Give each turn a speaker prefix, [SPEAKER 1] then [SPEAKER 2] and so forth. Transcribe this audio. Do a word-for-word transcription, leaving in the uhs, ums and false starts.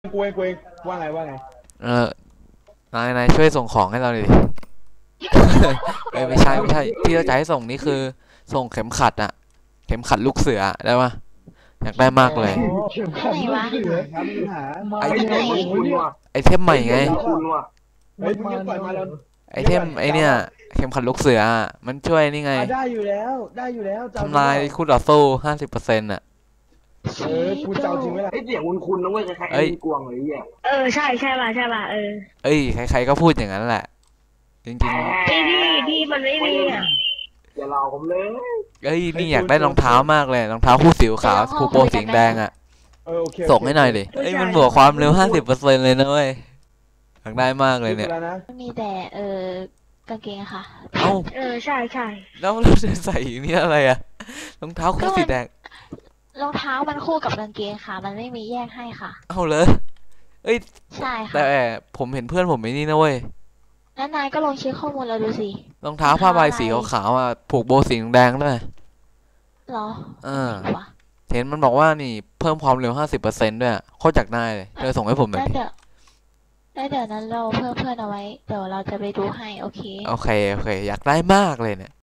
[SPEAKER 1] กูเองกูเองว่าไงว่าไง
[SPEAKER 2] เออนายนายช่วยส่งของให้เราหน่อยดิ เอ้ยไม่ใช่ไม่ใช่ที่เราจะให้ส่งนี่คือส่งเข็มขัดอะเข็มขัดลูกเสือได้ปะอยากได้มากเลย
[SPEAKER 1] เข็มขัดลูกเสือครับมีปัญหา
[SPEAKER 2] ไอ
[SPEAKER 1] ไอ้เนี่ยมันคุณว่ะ
[SPEAKER 2] ไอเทมใหม่ไง
[SPEAKER 1] คุณว่ะเฮ้ยมึงยังปล่อยมาแล้ว
[SPEAKER 2] ไอเทมไอเนี่ยเข็มขัดลูกเสืออะมันช่วยนี่ไง
[SPEAKER 1] ได้อยู่แล้วได้อยู่แล้ว
[SPEAKER 2] ทำลายคู่ต่อสู้ห้าสิบเปอร์เซ็นต์อะ
[SPEAKER 1] เออกูเจ้าจริงไหมล่ะ
[SPEAKER 3] ไอ้เสียงคุณคุณนะเว้ยคล้ายๆไอ้กวงเลยอ่ะ
[SPEAKER 4] เออใช่ใช่ป่ะใช่ป่ะเออ
[SPEAKER 2] เอ้ยใครๆก็พูดอย่างนั้นแหละจริง
[SPEAKER 4] พี่พี่พี่มันไม่มีอ่ะ
[SPEAKER 3] อย่าหลอกผมเลย
[SPEAKER 2] ๆเอ้ยนี่อยากได้รองเท้ามากเลยรองเท้าคู่สีขาวคู่โปรสีแดงอะ
[SPEAKER 1] เออโอเค
[SPEAKER 2] ส่งให้หน่อยดิเอ้ยมันบวกความเร็วห้าสิบเปอร์เซ็นต์เลยนะเว้ยอยากได้มากเลยเนี่ย
[SPEAKER 1] แล้วนะ
[SPEAKER 5] มีแต่เออกางเกงค่ะ
[SPEAKER 2] เอ้า
[SPEAKER 4] เออใช่ใช่
[SPEAKER 2] แล้วเราจะใส่นี่อะไรอะรองเท้าคู่สีแดง
[SPEAKER 5] รองเท้ามันคู่กับกางเกงค่ะมันไม่มีแยกให้ค่ะ
[SPEAKER 2] เอาเลยเอ้ย
[SPEAKER 5] ใช่ค่ะ
[SPEAKER 2] แต่ผมเห็นเพื่อนผมไอ้นี่นะเว้ย
[SPEAKER 5] แล้วนายก็ลองเช็คข้อมูลเราดูสิ
[SPEAKER 2] รองเท้าผ้าใบสีขาวๆอ่ะผูกโบสีแดงด้วย
[SPEAKER 5] หรอ
[SPEAKER 2] เออเห็นมันบอกว่านี่เพิ่มความเร็วห้าสิบเปอร์เซ็นต์ด้วยโคตรจักได้เลยเธอส่งให้ผมหน่อย
[SPEAKER 5] ได้เดี๋ยวได้เดี๋ยวนั้นเราเพิ่มเพื่อนเอาไว้เดี๋ยวเราจะไปดูให้โอเค
[SPEAKER 2] โอเคโอเคอยากได้มากเลยเนี่ย